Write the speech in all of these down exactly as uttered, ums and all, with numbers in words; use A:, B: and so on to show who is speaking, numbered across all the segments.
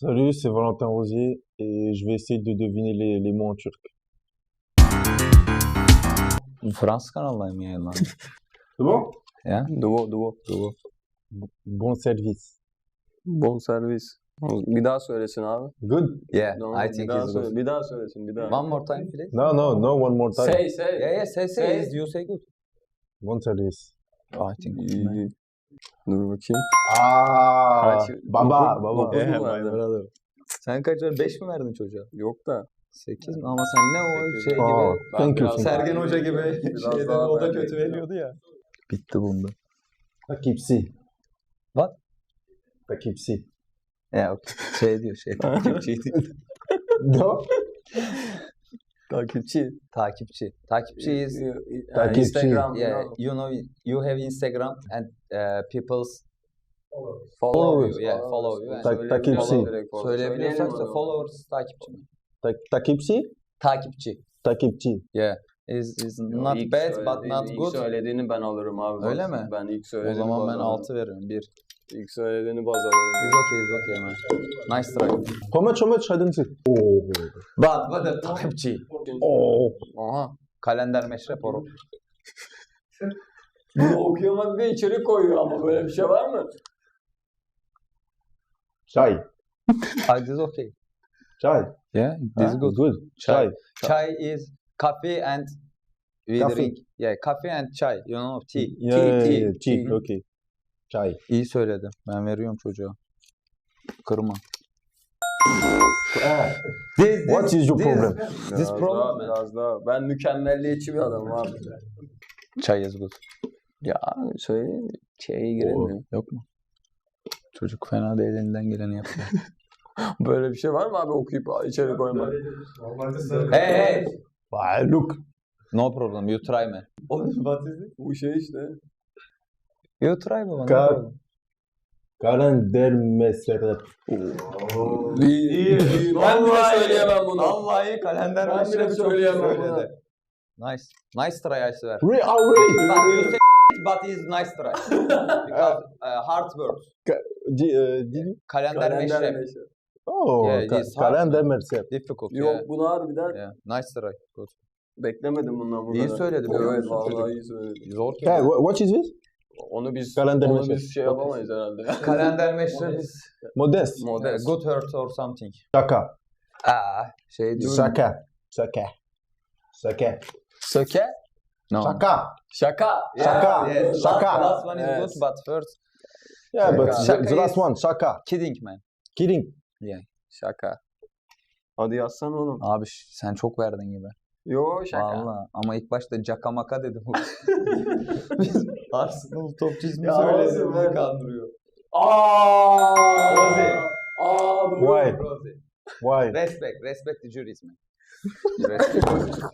A: Salut, c'est Valentin Rosier et je vais essayer de deviner les, les mots en turc.
B: Fransız kanalındayım yayınlandı.
A: C'est bon?
B: Ya?
C: Duo, duo.
B: Doğru.
A: Bon service.
C: Bon servis. Bir daha söylesin abi.
A: Good?
B: Yeah,
C: No,
B: I
C: bir
B: think
C: daha
B: it's
C: söyle,
B: good.
C: bir daha söylesin, bir daha.
B: One more time please.
A: No, no, no, one more time.
C: Say, say.
B: Yeah, yeah, say, say.
C: Say.
B: Is you say good.
A: Bon service.
B: I think it's
C: İyi,
B: good.
C: iyi. Dur bakayım.
A: Ah,
C: Kaç?
A: baba,
C: Dokuz-
A: baba.
C: dokuz mu
B: Yeah,
C: verdin?
B: my brother. Sen kaç verdin? beş mi verdin çocuğa?
C: Yok da.
B: sekiz mi? Ama sen ne o
C: Sekiz.
B: şey
A: Aa,
B: gibi.
C: Ben
A: thank you.
C: biraz
A: thank
C: daha-
A: you.
B: Sergen Hoca gibi
C: Biraz
B: şeyden
C: daha
B: o da
C: ben
B: kötü
C: bekliyorum.
B: veriyordu ya. Bitti bunda.
A: Takipsi.
B: What?
A: Takipsi.
B: Ya şey diyor şey takipçi diyor.
A: No?
C: Takipçi.
B: Takipçi. Takipçi is
C: Yani
A: Takipçi.
C: Instagram.
B: yeah, you know you have Instagram and uh, people's
C: Follow
B: you, yeah, follow you.
A: Tak- takipçi.
B: Söyleyebiliyorsak followers takipçi mi?
A: Tak takipsi?
B: Takipçi.
A: Takipçi.
B: Yeah. Is is not
C: İlk
B: bad but
C: söylediğini-
B: not
C: ilk
B: good.
C: söylediğini ben alırım abi.
B: Öyle mi?
C: Ben ilk
B: O
C: söylediğini
B: zaman
C: baz
B: ben
C: alırım.
B: altı veririm. bir.
C: İlk söylediğini baz
B: Is
C: alırım.
B: okay, is okay man. Nice try.
A: How much, how much? I didn't see. Oh.
B: But what the takipçi?
A: Oh.
B: Aha. Kalender meşrep oru.
C: Bunu okuyamadı diye içeri koyuyor ama böyle bir şey var mı?
A: Chai.
B: Ah, this is okay.
A: Chai.
B: Yeah, this is
A: Huh?
B: good.
A: Good.
B: Chai.
A: Chai.
B: Chai is coffee and we
A: Coffee.
B: drink. Yeah, coffee and chai. You know, tea.
A: Yeah,
B: tea,
A: yeah,
B: tea,
A: yeah, tea.
B: tea.
A: Okay. Chai.
B: İyi söyledi. Ben veriyorum çocuğa. Kırma.
A: Ah,
B: This,
A: What is your
B: this,
A: problem?
B: This
C: Biraz
B: problem,
C: daha,
B: man.
C: biraz daha. Ben mükemmelliyetçi bir adamım abi.
B: Chai is good.
C: Ya söyleyeyim mi? Şeye giremiyor.
B: Yok mu? Çocuk fena değil, elinden geleni yapıyor.
C: Böyle bir şey var mı abi okuyup içeri koymak?
B: Hey hey.
A: ah, look.
B: No problem. You try man. What is it?
C: Bu şey işte.
B: You try baba. No
A: Ka-
B: problem.
A: Kalender meserep.
C: İyi, iyi, iyi. Ben bile söyleyemem bunu.
B: Vallahi kalender
C: Ben
B: meşrebi
C: bile
B: çok
C: söyleyemem
B: söyledi.
C: bunu.
B: Nice. Nice try I swear.
A: Re ah, really?
B: But you say but is nice try. Because uh, hard words.
A: Di- eh, di-
B: Kalender,
C: Kalender
B: meşrep.
C: meşrep.
A: Oh,
B: Yeah, it
A: ka-
B: is hard,
A: kalender
B: man.
A: meserep.
B: Difficult.
C: Yok
B: Yeah.
C: bunu harbiden
B: Yeah. Nice try. Good.
C: beklemedim bundan bu
B: İyi
C: kadar.
B: söyledi, biliyor
C: Evet
B: musun
C: vallahi
B: çocuk?
C: iyi söyledi.
B: Zor ki.
A: Hey, wha- what is this?
C: Onu biz
A: Kalender
C: onu
A: meşrep.
C: biz şey yapamayız herhalde.
B: Kalender meşrep is
A: Modest.
C: Modest.
B: good hurt or something.
A: Şaka.
B: Aa, şey diyor.
A: Şaka. Şaka. Şaka.
C: Söke?
B: No.
A: Şaka.
C: Şaka.
A: Şaka.
B: Yes.
A: Şaka.
B: Last, last one is
C: Yes.
B: good but first
A: Yeah, but
C: Şaka.
A: the, the last one. Şaka.
B: kidding man.
A: Kidding.
C: Şaka. Hadi yazsana oğlum.
B: Abi ş- sen çok verdin gibi.
C: Yo şaka.
B: Valla ama ilk başta cakamaka dedim. Biz Arsenal topçu ismi
C: Ya
B: söyledi
C: olsun
B: bizi
C: be.
B: kandırıyor.
C: Aaa.
B: Rozi.
C: Aaa. bu-
A: Why?
B: Rosie.
A: Why?
B: Respect, respect the juries man. Respect.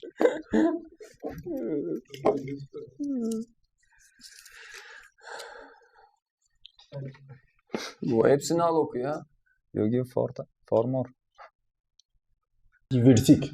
C: Bu hepsini al oku ya.
B: You give for, for more.
A: Kivirtik.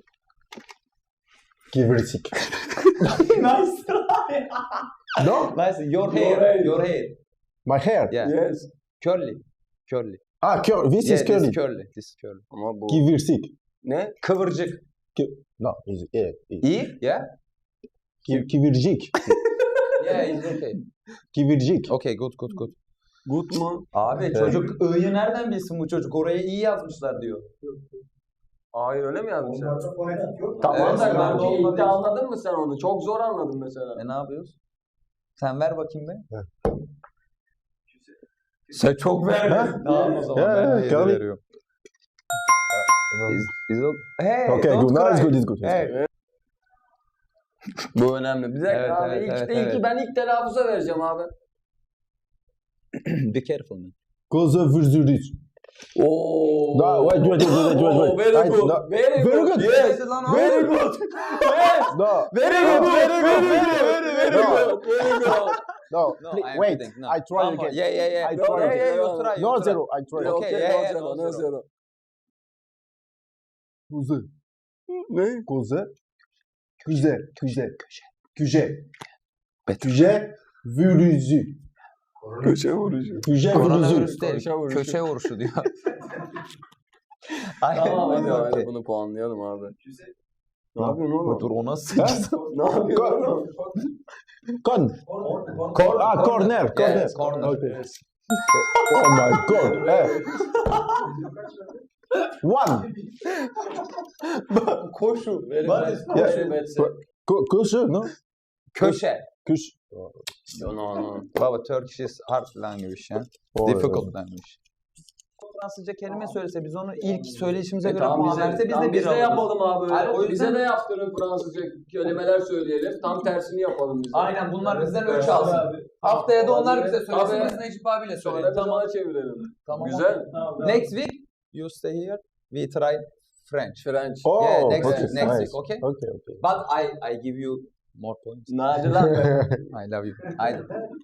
A: Kivirtik.
B: Nice.
A: No?
B: Nice. Your hair.
C: hair.
B: Your hair.
A: My hair.
B: Yeah.
C: Yes.
B: Curly. Curly.
A: Ah, cur- this
B: Yeah,
A: is curly.
B: This curly. This is curly.
C: Ama bu
A: Kivirtik.
C: ne?
B: Kıvırcık.
A: No, is yeah. is-
B: İyi. Yeah.
A: Ki- Kivircik.
B: Yeah, it's okay.
A: Kivircik.
B: Okay, good, good, good.
C: Good mu?
B: Abi
A: Evet.
B: çocuk I'yı nereden bilsin bu çocuk? Oraya iyi yazmışlar diyor.
C: Hayır öyle mi yazmışlar?
B: Evet,
C: Tamam da
B: ben de
C: kanki
B: olmadı.
C: ilk anladın mı sen onu? Çok zor anladın mesela.
B: E ne yapıyoruz? Sen ver bakayım be.
A: Evet.
B: Sen çok verdin. Tamam o zaman
A: Yeah,
B: ben
A: yeah,
B: de yedi
A: Kelvin.
B: veriyorum. Is, is o- Hey,
A: Okay,
B: don't
A: good. No, it's
B: cry.
A: good. It's good. It's
B: Hey.
A: good.
C: Bu önemli. Bir dakika
B: Evet,
C: abi.
B: evet,
C: ilk,
B: evet,
C: ilki
B: evet.
C: ben ilk telaffuza vereceğim abi.
B: Be careful man.
A: Koza vürzürüz.
C: Oo.
A: No, wait, wait, wait, wait, wait, wait.
C: Oo, Very
A: I-
C: good.
A: no.
C: Very
A: Very
C: good.
A: good.
C: Yes.
B: Lan
C: Very good. Yes.
A: No.
C: Very
A: No.
C: good. Very good. Very very very
A: No.
C: good. Very good.
A: No.
B: No,
A: Please,
B: I am
A: wait.
B: kidding. No.
A: I try
B: One more.
A: again.
B: Yeah, yeah, yeah.
A: I
B: No,
A: try
B: yeah,
A: again.
B: yeah, you try, you
A: No
B: try.
A: zero. I try.
B: Okay,
C: Okay,
B: yeah,
C: no
B: yeah,
C: zero,
B: no
C: no
B: zero.
C: zero.
A: Kuzu.
C: Ne?
A: Kuzu. Küze. Küze. Küze.
B: Bet.
A: Küze. Vürüzü.
C: Köşe vuruşu.
A: Füze vuruşu.
B: Koronavirüs değil.
C: Köşe vuruşu.
B: Köşe vuruşu diyor. Aynen.
C: Tamam hadi,
B: Okey.
C: hadi bunu puanlayalım abi. Ne yapıyorsun oğlum?
B: Dur o nasıl sekiz?
C: Ne yapıyorsun oğlum?
A: Con. Cor ah, corner. Corner.
B: Yes, corner.
A: Okay. Oh my god. Eh. One.
C: Koşu. Very bad.
A: Yeah.
C: Koşu betse.
A: Ko köşe, no?
B: Köşe.
A: Köş.
C: No no no.
B: Baba Turkish is hard language ya.
A: Oh,
B: Difficult language. Fransızca kelime söylese biz onu ilk söyleyişimize
C: E
B: göre
C: tamam
B: puan
C: bize,
B: verse biz
C: tamam,
B: de bir
C: biz de
B: alırız.
C: yapalım abi.
B: Hayır, o
C: Bize
B: yüzden-
C: de yaptırın Fransızca kelimeler söyleyelim. Tam tersini yapalım biz de.
B: Aynen bunlar bizden ölç alsın. Haftaya da onlar bize söylesin.
C: Abi.
B: Biz Necip abiyle
C: Sonra
B: söyleyelim.
C: biz
B: Tamam.
C: ona çevirelim.
B: Tamam.
C: Güzel.
B: Next week you stay here. We try French.
C: French.
A: Oh,
B: Yeah, next
A: okay,
B: week, next
A: nice.
B: week, okay?
A: Okay, okay.
B: But I I give you more points.
C: Naci lan be.
B: I love you. Haydi.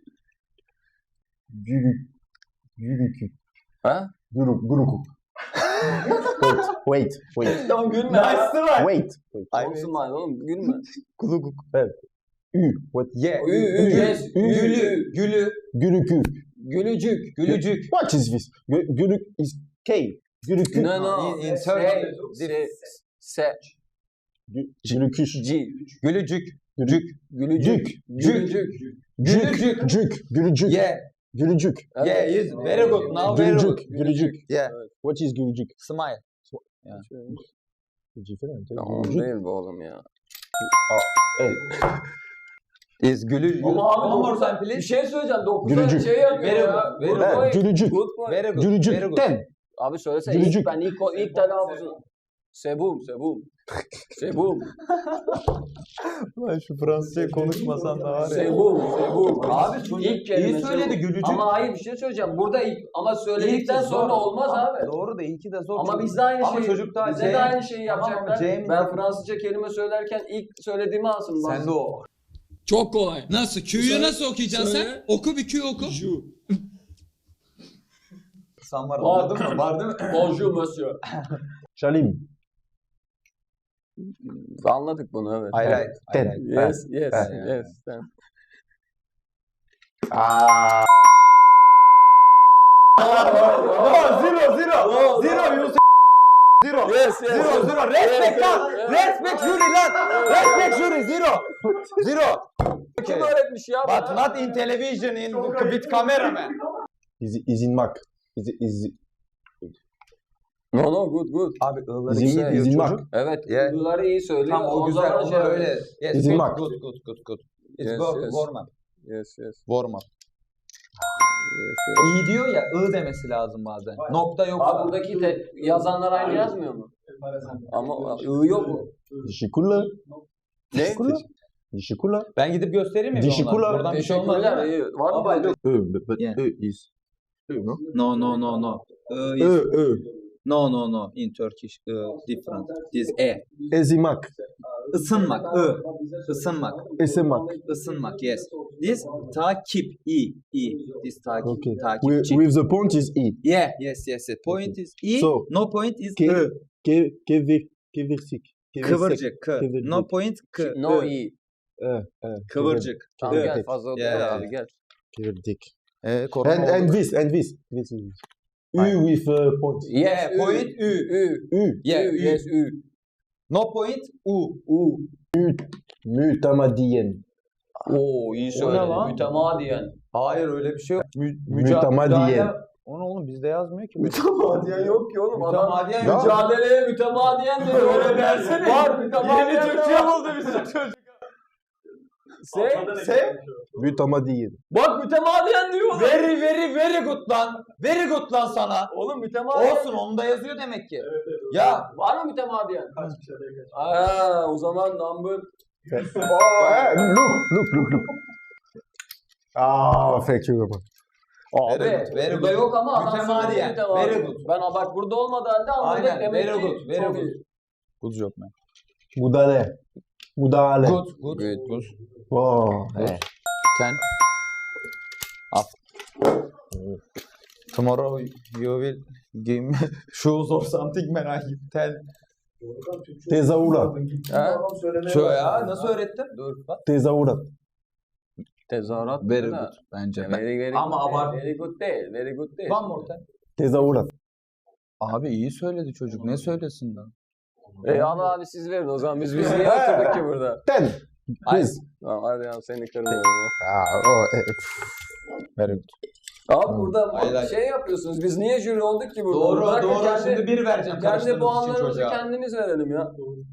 A: Gülük. Gülük.
C: Ha?
A: Gülük. Gülük. Wait, wait, wait.
C: Tamam gülme.
A: Wait, wait.
B: Ay,
C: Olsun lan oğlum gülme.
B: Kuluguk.
A: Ü. What?
B: Yeah.
C: Ü, ü, yes.
B: Gülü. Gülü.
A: Gülükü.
C: Gülücük.
B: Gülücük.
A: What is this? Gü- Gülük is K. Gülükü.
C: No no.
B: In- in
C: Se-
B: Turkey.
C: se- Se.
A: Gü- Gülüküş.
C: G.
B: Gülücük.
A: Gülük.
C: Gülücük. Gülücük.
A: Cük. Cük. Gülücük.
B: Yeah.
A: Gülücük.
B: Yeah, yes. Very good. Now very good.
A: Gülücük. Gülücük.
B: Yeah.
A: What is gülücük?
B: Smile.
A: Different. eh?
C: Tamam
A: Gülücük.
C: değil bu oğlum ya.
A: Evet.
B: Is gülü.
C: Ama abi
B: One more
C: dokuz-
B: time
C: Bir
B: please.
C: şey söyleyeceğim. dokuzda
A: Gülücük.
C: şey yapıyor
B: Very
C: ya.
B: good, very
C: Good
B: good.
C: boy.
A: Gülücük.
C: Good boy.
B: Very good.
A: Gülücük.
B: Very good.
A: Ten.
C: Abi söylesene ilk
A: Gülücük.
C: ben ilk ilk telaffuzunu. Sebum, sebum. Sebum.
B: Lan şu Fransızca konuşmasan da var ya.
C: Sebum, sebum.
B: Abi çocuk
C: İlk kelime
B: iyi söyledi
C: sebum.
B: gülücük.
C: Ama hayır bir şey söyleyeceğim. Burada ilk ama söyledikten
B: İlki
C: sonra
B: zor.
C: olmaz
B: Ama
C: abi.
B: Doğru da ilki de zor.
C: Ama
B: Çocuk-
C: biz de aynı
B: Ama
C: şeyi,
B: çocuk da
C: bize
B: C-
C: de aynı şeyi
B: Tamam ama
C: yapacaklar.
B: C'nin
C: Ben
B: de-
C: Fransızca kelime söylerken ilk söylediğimi alsın. bak.
B: Sen de o.
D: Çok kolay. Nasıl? Q'yu
C: Söyle-
D: nasıl okuyacaksın
C: söyle.
D: sen? Oku bir Q oku.
C: Ju.
B: Sen var.
C: Var.
B: Var değil mi? Var değil mi?
C: Bonjour monsieur.
A: Şalim.
C: Anladık bunu evet.
B: Hayır hayır.
A: Ten.
B: hayır, hayır.
C: Yes, yes,
B: Ben-
C: yes. Sen.
A: Aa.
B: Zero zero. Zero you Zero.
C: Yes, yes.
B: Zero zero. Respect lan.
C: yes.
B: Respect jury lan. Respect jury. Zero. Zero.
C: Kim öğretmiş ya?
B: But
C: bana?
B: not in television in with camera man.
A: İzi, izinmak. İzi, izi,
C: No no good good.
B: Abi ığları
A: izin,
B: iyi diyor
A: izinmak.
B: çocuk.
C: Evet.
B: Yeah.
C: Bunları iyi söylüyor.
B: Tam o güzel.
C: zaman
B: Onu
C: şey
B: öyle. Yes,
A: İzin
B: good,
A: bak.
B: good good good good. It's
C: Yes,
B: go-
C: yes.
B: warm up.
C: Yes yes.
B: Warm up.
C: yes, yes.
B: İyi diyor ya ı demesi lazım bazen. Nokta yok.
C: Abi buradaki te- yazanlar aynı yazmıyor mu? Ama ı yok mu?
A: Dişikula.
B: Ne?
A: Dişikula. Dişikula.
B: Ben gidip göstereyim mi? bir
A: Dişi
B: onlara?
A: kula.
B: Buradan bir şey olmaz
C: Teşekkürler.
B: değil mi?
C: iyi. Var mı?
B: Baba,
C: böyle?
A: Ö, but, but
B: Yeah.
A: Ö is. Ö, no?
E: No, no, no, no. Uh,
A: Ö,
E: is,
A: ö.
E: no, no, no. In Turkish, uh, different. This e.
A: Ezimak.
E: Isınmak. Ö. Isınmak.
A: Esemak.
E: Isınmak. Yes. This takip. I. I. This takip.
A: Okay. With,
E: Takipçi.
A: with the point is E.
E: Yeah. Yes. Yes. yes. Point is i.
A: So,
E: no point is
A: Ke,
E: ö.
A: ke, kevir, kevirsik. Kevirsek.
E: Kıvırcık. K.
A: Kıvırcık.
E: No point k.
C: No
E: Ö.
C: iyi.
A: E, e,
E: Kıvırcık.
C: Tamam
E: Ö.
C: gel fazla otur
E: Yeah.
C: abi gel.
A: Kevirdik.
B: Ee, korona
A: And,
B: oldu.
A: and this, and this. This is. Ü
B: Aynen.
A: with uh, point.
B: Yeah,
C: Ü.
B: point ü.
C: Ü.
A: Ü.
B: Yeah,
C: Ü.
B: ü.
C: Yes ü.
B: No point u.
C: U.
A: Mütemadiyen.
B: Oo iyi
C: O ne
B: söyledin.
C: lan? Mütemadiyen.
B: Hayır öyle bir şey yok. Mü,
A: Mütemadiyen.
B: Onu oğlum bizde yazmıyor ki.
C: Mütemadiyen yok ki oğlum. Adam
B: Mütemadiyen
A: Ya.
B: yok.
C: mücadeleye mütemadiyen diyor. Öyle dersene. Var mütemadiyen.
B: Yeni Türkçe buldu bizim çocuk.
C: Say,
B: Say.
A: Mütemadiyen.
C: bak mütemadiyen diyor. oğlum.
B: Very very very good lan. Very good lan sana.
C: Oğlum mütemadiyen.
B: Olsun onu da yazıyor demek ki. Ya.
C: Var mı mütemadiyen? Aa, o zaman number.
A: Oh, eh, look, look, look, look. Ah, thank you very much.
C: Abi
B: Very good, very
C: burada
B: good.
C: yok ama adam
B: Mütemadiyen,
C: söyledi mütemadiyen.
B: very good.
C: Ben bak burada olmadı halde anladık
B: Aynen.
C: demek
B: Very
C: ki
B: good. Very
C: çok
B: good.
C: iyi.
B: Good job man.
A: Müdahale. Müdahale.
B: Good. Good. Good.
A: Oh, eh.
B: Ten. Up. Tomorrow you will give me shoes or something man. I give ten.
A: Tezahürat.
B: Ha? Şöyle ya nasıl öğrettin? Dur bak.
A: Tezahürat.
C: Tezahürat
B: Very
C: da.
B: good bence. Ben-
C: Very, very
E: Ama
C: good
E: abart-
C: değil. Very good değil. Very good değil.
E: One more time.
A: Tezahürat.
B: Abi iyi söyledi çocuk. Ne söylesin lan?
C: E Allah abi siz verin o zaman. Biz biz niye oturduk ki burada?
A: Ten. Please.
C: Tamam hadi ya seni kırmıyorum.
A: Ah, oh, eh, pff. Very good.
C: Abi burada
B: Hayır, hayır.
C: şey yapıyorsunuz. Biz niye jüri olduk ki burada?
E: Doğru
C: Bırakın
E: doğru.
C: kendi-
E: Şimdi bir vereceğim
C: Kendi
E: karıştırdığınız için
C: puanlarımızı
E: çocuğa.
C: kendimiz verelim ya.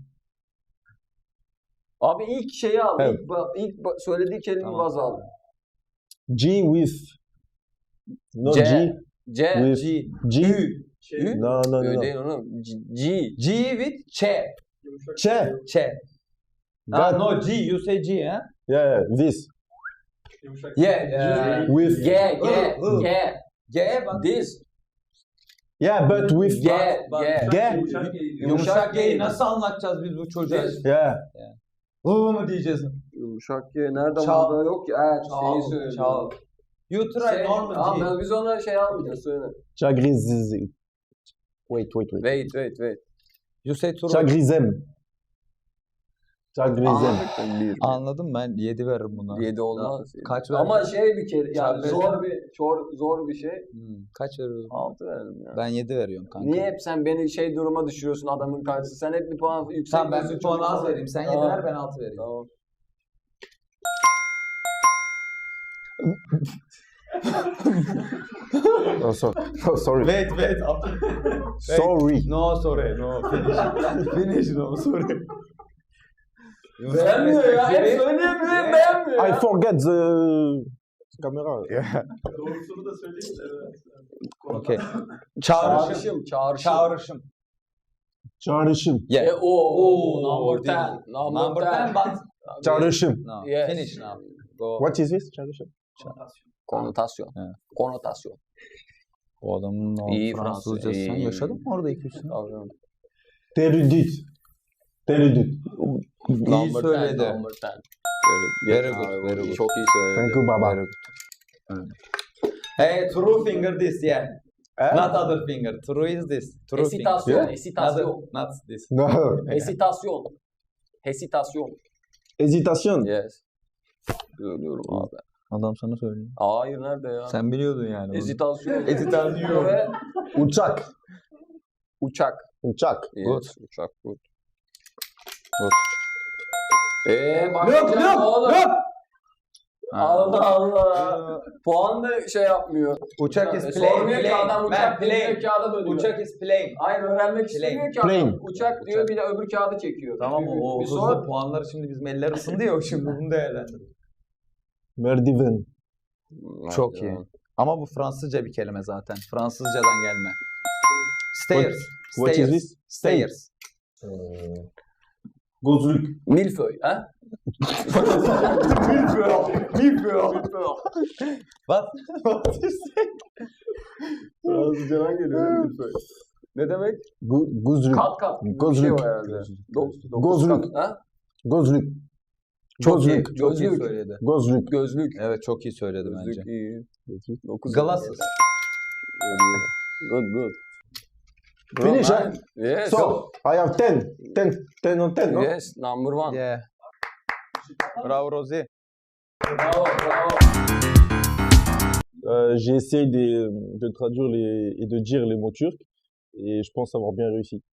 C: Abi ilk şeyi al.
A: Evet.
C: İlk, ba- ilk ba- söylediği kelimeyi
B: Tamam.
C: baz al.
A: G with. No
C: C.
A: G.
C: C.
A: With.
E: G.
A: G.
E: Ü.
C: Ü.
A: No, no, no,
C: Öyle
A: no.
C: değil onu. G. G.
E: G with Ç.
A: Ç.
E: Ç. Ah,
A: That.
E: no G. You say G, ha?
A: Yeah, yeah, this.
E: Yeah. yeah.
A: With.
C: G. G.
E: Hı, hı.
C: G.
E: G bak.
C: This.
A: Yeah, but with.
C: G.
E: Bak,
C: G.
A: G.
E: Yumuşak G'yi nasıl anlatacağız biz bu çocuğa?
C: This.
A: Yeah.
E: Hı mı diyeceğiz?
C: Yumuşak G. Nerede
E: Çal.
C: burada yok ki? Evet
E: Çal,
C: şeyi söylüyor.
E: çal. You try
C: Şey,
E: normal G.
C: abi biz ona şey almayacağız söyle.
A: Chagriz. Wait, wait, wait.
C: Wait wait wait.
E: You say true.
A: Chagrizem. Chagrizem.
C: Anladık mı? Bir.
B: Anladım ben yedi veririm buna.
C: Yedi olmaz.
B: Kaç
C: Ama
B: verdin?
C: şey bir kere yani
B: Çarpı-
C: zor bir zor, zor bir şey.
B: Hmm, kaç veriyorsun?
C: Altı verelim ya.
B: Ben yedi veriyorum kanka.
C: Niye hep sen beni şey duruma düşürüyorsun adamın karşısında? Sen hep bir puan yüksek
E: Tamam ben
C: veriyorsun,
E: bir puan
C: çok
E: az
C: fazla-
E: vereyim. Sen yedi
C: Tamam.
E: ver ben altı vereyim.
C: Tamam.
A: Oh, so, oh, sorry.
E: Wait wait.
A: Sorry.
E: No sorry. No finish. Finish no sorry.
C: Beğenmiyor ya. Hep söyleyemiyor hep beğenmiyor
A: I
C: ya.
A: forget the camera.
B: Okey.
E: Çağrışım.
C: Çağrışım. Çağrışım.
E: Çağrışım.
A: Çağrışım.
B: Yeah.
C: E, o, o,
E: Oo,
C: number ten. Number,
E: Number
C: ten.
E: ten but
A: Çağrışım.
B: No.
C: Yes.
B: Finish now. Go.
A: What is this? Çağrışım.
C: Konotasyon.
B: Evet.
C: Konotasyon.
B: O adamın o
C: İyi
B: Fransızcası.
C: Fransız,
B: Sen
C: iyi.
B: yaşadın mı orada iki üç sene?
C: Tabii.
A: Terudit. Terudit.
B: İyi
C: Number
B: söyledi.
C: ten. Number ten.
B: Very good, very good.
C: Çok iyi söyledi.
A: Thank you, baba.
E: hey true finger this yeah.
A: Eh?
E: Not other finger. True is this. True
C: Esitasyon.
A: Yeah.
E: finger.
C: Esitasyon.
E: Not, not this.
A: No.
C: Hesitasyon. Hesitasyon.
A: Hésitation.
C: Yes. Söylüyorum abi.
B: Adam sana söylüyor.
C: Hayır nerede ya?
B: Sen biliyordun yani. bunu.
C: Hesitasyon.
E: Hesitasyon.
C: Ve
A: Uçak.
C: uçak.
A: Uçak.
C: Yes.
B: Good.
C: Uçak. Good.
B: Good.
C: Eee
E: Look
C: bakacağım
E: look
C: oğlum.
E: look.
C: Allah Allah. Puan da şey yapmıyor.
E: Uçak is
C: E,
E: plane.
C: sormuyor ki
E: plane.
C: adam
E: Man,
C: uçak
E: plane.
C: plane. Kağıda bölüyor.
E: Uçak is plane.
C: Hayır öğrenmek istemiyor ki adam.
A: Plane.
C: Uçak diyor bir de öbür kağıdı çekiyor.
E: Tamam o, o
C: Bir
E: hızlı
C: sor.
E: puanları şimdi bizim eller ısındı ya şimdi bunu değerlendir.
A: Merdiven.
B: Çok iyi. Ama bu Fransızca bir kelime zaten. Fransızcadan gelme. Stairs.
A: What is
B: Stairs.
A: this?
B: Stairs.
A: Ee, Gözlük.
C: Milföy ha?
E: What? What is
A: Fransızcadan geliyor. Milföy.
C: Ne demek?
A: Gu- Gözlük.
C: Kat kat. Bir
A: Gözlük.
C: şey var herhalde. Dok- dokuz
A: Gözlük.
C: kat, ha?
A: Gözlük.
B: Çok iyi.
A: Gözlük.
B: Çok iyi
C: Gözlük.
B: söyledi.
A: Gözlük.
C: Gözlük.
B: Evet çok iyi söyledi bence.
C: Gözlük iyi. Dokuz
B: Glasses.
C: Good good.
A: Finish,
C: Bro,
A: huh?
C: man. Yes.
A: So, I have ten. ten. ten on ten, no?
C: Yes, number one.
B: Yeah. Bravo Rosie.
C: Bravo, bravo.
A: Euh, j'ai essayé de, de traduire les, et de dire les mots turcs et je pense avoir bien réussi.